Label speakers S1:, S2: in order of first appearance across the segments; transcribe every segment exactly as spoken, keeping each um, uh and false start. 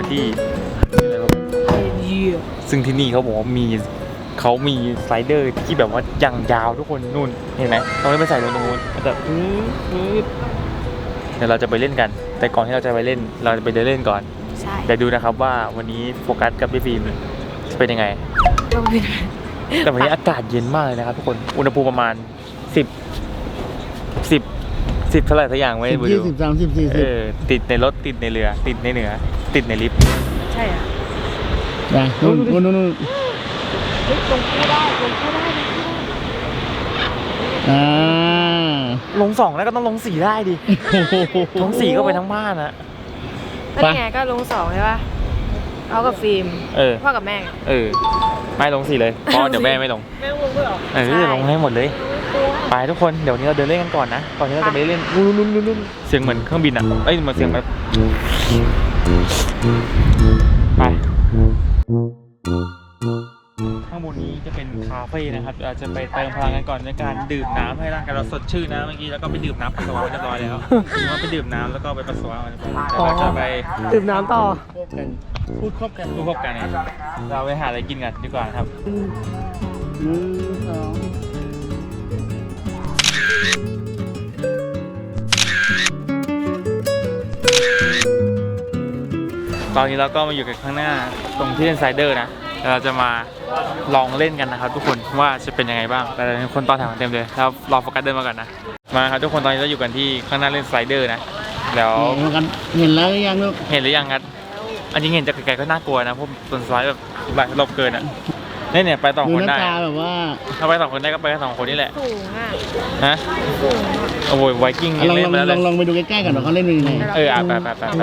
S1: กันที่ซึ่งที่นี่เขาบอกว่ามีเขามีสไลเดอร์ที่แบบว่ายังยาวทุกคนนู่นเห็นไหมเราไม่ไปใส่ลงตรงนู้นแต่เดี๋ยวเราจะไปเล่นกันแต่ก่อนที่เราจะไปเล่นเราจะไปเดินเล่นก่อนเดี๋ยวดูนะครับว่าวันนี้โฟกัสกับพี่ฟิล์มจะเป็นยังไงแต่วันนี้อากาศเย็นมากเลยนะครับทุกคนอุณหภูมิประมาณสิบสิบสิบเท่าไหร่สักอย่างไม่รู้
S2: ยี่สิบสามสิบสี่สิบ
S1: ติดในรถติดในเรือติดในเหนือติดในลิฟต์
S3: ใช่อ่ะ
S2: ไปนู่นนู่นนู่น
S3: ลงคู่ได้ลงคู่ได้
S2: อ่า
S1: ลงสองแล้วก็ต้องลงสี่ได้ดิลงสี่ก็ไปทั้งบ้านนะ
S3: ก็ไงก็ลงสองใช่ป่ะเอากับฟิล์มพ่อกับแม่
S1: เออไม่ลงสี่เลยเพราะเดี๋ยวแม่ไม่ลง
S3: แม่ลงด้วยหรอ
S1: เออลงให้หมดเลยไปทุกคนเดี๋ยวนี้เราเดินเล่นกันก่อนนะก่อนที่เราจะไปเล่นลุ้นลุ้นลุ้นเสียงเหมือนเครื่องบินอ่ะเอ้ยเหมือนเสียงแบบไปข้างบนนี้จะเป็นคาเฟ่นะครับเราจะไปเติมพลังกันก่อนในการดื่มน้ำให้ร่างกายเราสดชื่นนะเมื่อกี้แล้วก็ไปดื่มน้ำปัสสาวะเรียบร้อยแล้วเราไปดื่มน้ำแล้วก็ไปปัสสาวะเรียบร้อยเราจะไป
S3: ดื่มน้ำต่อ
S1: พูดครบกันพูดครบกันเนี่ยเราไปหาอะไรกินกันดีกว่าครับตอนนี้เราก็มาอยู่กันข้างหน้าตรงที่เล่นไซเดอร์นะเราจะมาลองเล่นกันนะครับทุกคนว่าจะเป็นยังไงบ้างแต่คนต่อแถวเต็มเลยเรารอโฟกัสเดินมาก่อนนะมาครับทุกคนตอนนี้เราอยู่กันที่ข้างหน้าเล่นไซเดอร์นะแล้ว
S2: เห็นแล้วหรือยังลูก
S1: เห็นหรือยังครับอันนี้เห็นจากไกลๆก็น่ากลัวนะเพราะต้นไม้แบบหลายรอบเกินอ่ะนี่เนี่ยไปสองคนได้
S2: แบบว่า
S1: ถ้าไปสองคนได้ก็ไปแค่สองคนนี่แหละ
S3: สูงอ่ะ
S1: ฮะ
S3: สูง
S1: โอ้ยไวกิ้ง
S2: ลองลองลองไปดูใกล้ๆกันว่าเขาเล่นเป็นยังไง
S1: เออไปไปไปไป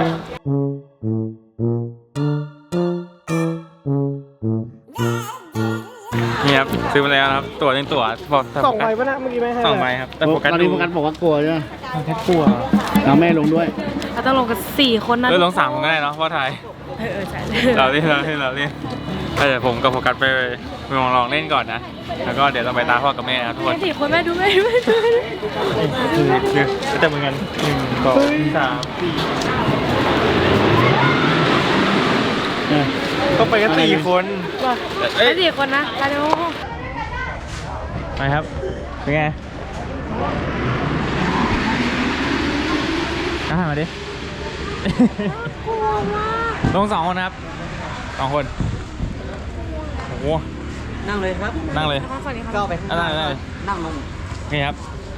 S1: นี่ครับซื้อมาแล้วครับตัวหนึ่งตัวบอก
S3: สองใบป่ะนะเมื่อกี้ไม่ให้
S1: สองใบครับแต่โฟกัส
S2: ตอนนี้โฟกัสบอกว่ากลัวใช่ไหม
S1: แค่กลัว
S2: เราแม่ลงด้วย
S3: เราต้องลงกันสี่คนนะ
S1: เออลงสามคนก็ได้เนาะเพราะไทย
S3: เออใช่
S1: เราเล่นเราเล่นเราเล่นแต่เดี๋ยวผมกับโฟกัสไปลองลองเล่นก่อนนะแล้วก็เดี๋ยวเราไปตามพ่อกับแม่นะทุกคน
S3: สี่คนแม่ดูแม่ดูแม่ดู
S1: คือคือจะเหมือนกันหนึ่งสองสามสี่ก็ไปกันสี่คน
S3: ไปสี่คนนะไปเร็ว
S1: ไปครับเป็นไงอ่ะมาดิลงสองคนนะครับสองคนโอ้โห
S4: นั่งเลยครับ
S1: นั่งเลย
S4: ก้าวไปข้างหน้านั่งลง
S1: นี่ครับ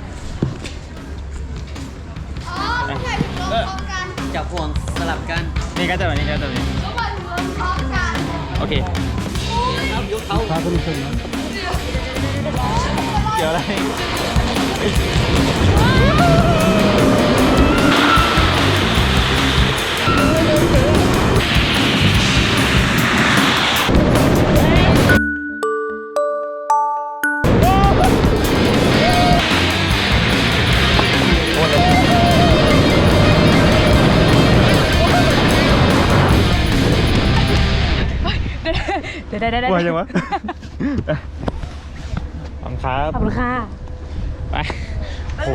S4: จับห่วงสลับกัน
S1: นี่ก็จะแบบนี้ก็จะแบบนี้โอเค
S4: ยกเขา
S2: พาคุณชมนะ
S1: เดี๋ยวอะไร
S3: ได้ได้ได้
S1: กลัวจังวะขอบคุณครับ
S3: ขอบคุณค่ะ
S1: ไปโห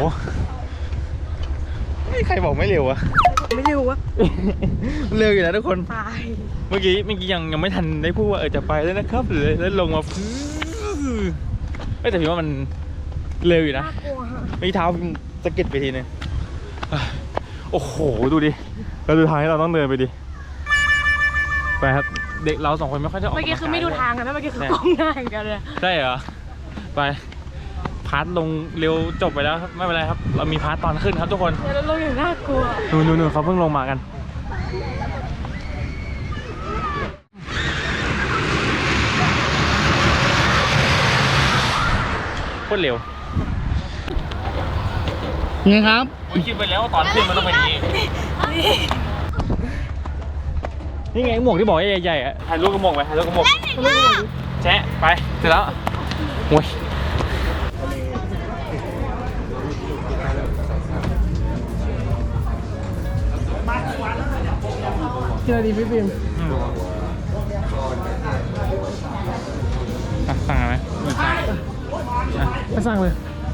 S1: ไม่ใครบอกไม่เร็ววะ
S3: ไม่เร็ววะ
S1: เร็วอยู่นะทุกคน
S3: ตาย
S1: เมื่อกี้เมื่อกี้ยังยังไม่ทันได้พูดว่าเออจะไปแล้วนะครับหรือแล้วลงมาฟื้นแต่พี่ว่ามันเร็วอยู่นะไม่เท้าสะกิดไปทีนึงโอ้โหดูดิแล้วสุดท้ายเราต้องเดินไปดิไปครับเด็กเราสองคนไม่ค่อยจะออก
S3: เมื่อกี้คือไม่ดูทางกันนะเมื่อกี้คือกล้องหน้ากันเลย
S1: ใช่เหรอไปพาร์ทลงเร็วจบไปแล้วครับไม่เป็นไรครับเรามีพาร์ทตอนขึ้นครับทุกคน
S3: เราลงอย่างน่ากลัว
S1: นู่นนู่นเขาเพิ่งลงมากันโคตรเร็ว
S2: นี่ครับ
S1: คิดไปแล้วตอนขึ้นมันต้องเป็นอย่างนี้นี่ไงหมวกที่บอกใหญ่ๆอ่ะถ่ายรูปกับหมวกไปถ่ายรูปกับหมวกแชะไปเสร็จแล้วโว้ย
S2: กินอะไรดีพี่ปิ่ม
S1: สั่งอะไรไหม
S2: ไปสั่งเลย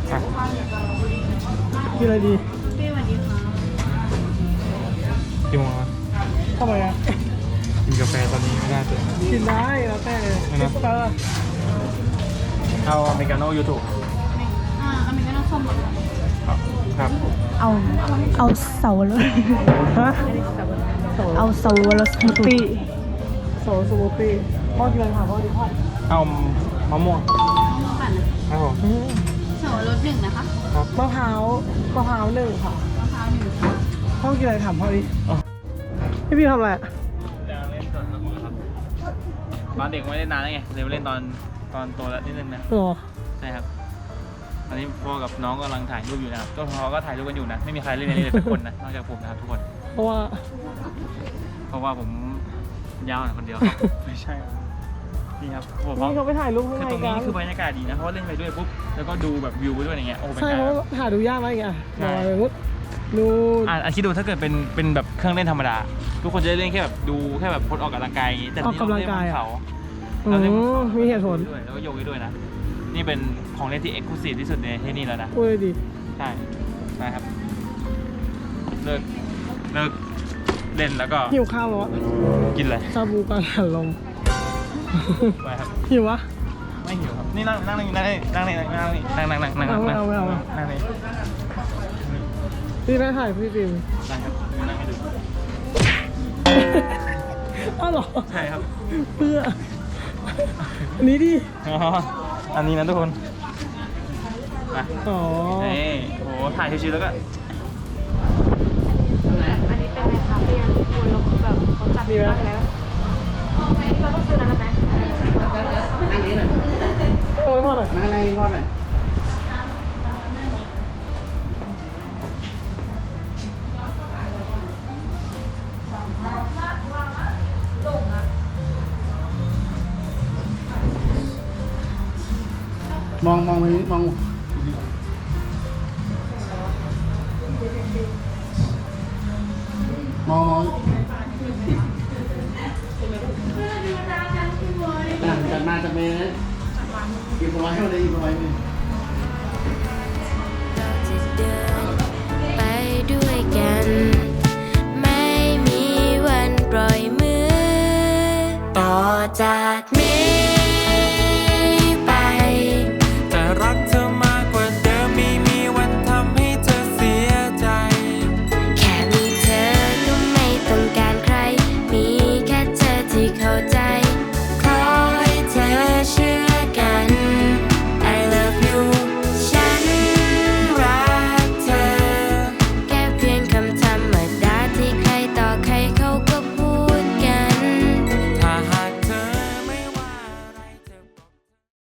S2: กินอะไรดี
S1: พี่สวัสดีค่ะกี่โมงแล้ว
S2: ทำไมอ่ะ
S1: กาแฟตอนนี้ไม่ได้เลย
S2: กินได้แล้วแต่
S1: ไม่นะ
S2: เออ
S1: เอาอเมริกาโน่ยูทูบ
S5: อ่าอเมริกาโน่ส้มหมดเลย
S1: ครับ
S5: เอาเอาเสาวรส
S2: ฮะ
S5: เอาเสาวรสสมูทตี้
S2: โซสมูทตี้พ่อกินอะไรถามพ่อดิพ่อ
S1: เอามะม่วง
S5: ปั่น
S1: ครับผม
S5: เสาวรสหนึ่งนะคะ
S2: มะพร้าวมะพร้าวหนึ่งค่ะ
S5: มะพร้าวหนึ่ง
S2: พ่อกินอะไรถามพ่อดิ
S1: อ๋อ
S2: พี่พี่ทำอะไรอะ
S1: เล่นก่อนครับตอนเด็กไม่ได้นานแล้วไงเลยมาเล่นตอนตอนโตแล้วนิดนึงนะ
S2: อ๋อ
S1: ใช่ครับตอนนี้พ่อกับน้องกำลังถ่ายรูปอยู่นะครับก็พ่อก็ถ่ายรูปกันอยู่นะไม่มีใครเล่นในนี้เลยสักคนนะนอกจากผมนะครับทุกคน
S2: เพราะว่า
S1: เพราะว่าผมยาวหน่อยคนเดียวครับ ไม่ใช่ครับนี่ครับผม
S2: นี่เขาไปถ่ายรูปข้าง
S1: คือ
S2: ใน
S1: ตรง
S2: กั
S1: นี้
S2: น
S1: คือบรรยากาศดีนะเพราะว่าเล่นไปด้วยปุ๊บแล้วก็ดูแบบวิวไปด้วยอย่างเงี้ยโอ้เป็น
S2: ใช่
S1: การ
S2: เพราะว่าหาดูยากมากอีกอ่ะ
S1: ใช่
S2: ลอยปุ๊บดูน
S1: อ่ะอ่ะคิดดูถ้าเกิดเป็นเป็นแบบเครื่องเล่นธรรมดา ทุกคนจะได้เล่นแค่แบบดูแค่แบบคนออกกำลังกายอย่างงี้แต่
S2: ออกกำลังกาย
S1: นี่
S2: อ่ะ
S1: เรเล่นบน
S2: อื
S1: เขา
S2: มมีเหตุผล
S1: ด้วยแล้วก็โยกไปด้วยนะนี่เป็นของเล่นที่เอ็กซ์คลูซีฟที่สุดในที่นี่แล้วนะ
S2: พูดเลยดิ
S1: ใช่ใช่ครับเลิกเลิกเล่นแล้วก็
S2: หิวข้าวแล้วอะ
S1: กินเลย
S2: ชาบูกังหันลม
S1: ไปครับ
S2: หิววะ
S1: ไม่หิวครับนี่นั่งนั่งนี่นั่งนี่นั่งนี่นั่งนี่นั่งนั่งนั่งนั่งนั่ง
S2: เอา
S1: นั่ง
S2: เอาเอาเอา
S1: นั่งนี่
S2: พี่ได้ถ่ายพี่ฟิล์ม
S1: นั่งครับนั่งให้ดู
S2: อ้าวเหรอ
S1: ใช่ครับ
S2: เพื่ออันนี้ดิ
S1: อ๋ออันนี้นะทุกคนมา
S2: อ๋อ
S1: นี่โอ้โหถ่ายชิวๆแล้วก็
S3: อันนี้เป็นในคาเฟ่ทุกคนแล้วคือแบบเขาจัดดีมากแล้วเราต้องซื้อนั้นไหม
S4: นั่งนี้หน่อย
S2: โอ้ยพ่อหน่อย
S4: นั่งนั่งนี้ก่อนหน่อย
S2: มองมองไปมองมองมอง
S4: อ่ะจัดมาจัดเมย์นะหยิบเอาไว้ให้เลยหยิบเอาไว้เลย
S6: เราจะเดินไปด้วยกัน ไม่มีวันปล่อยมือ ต่อจาก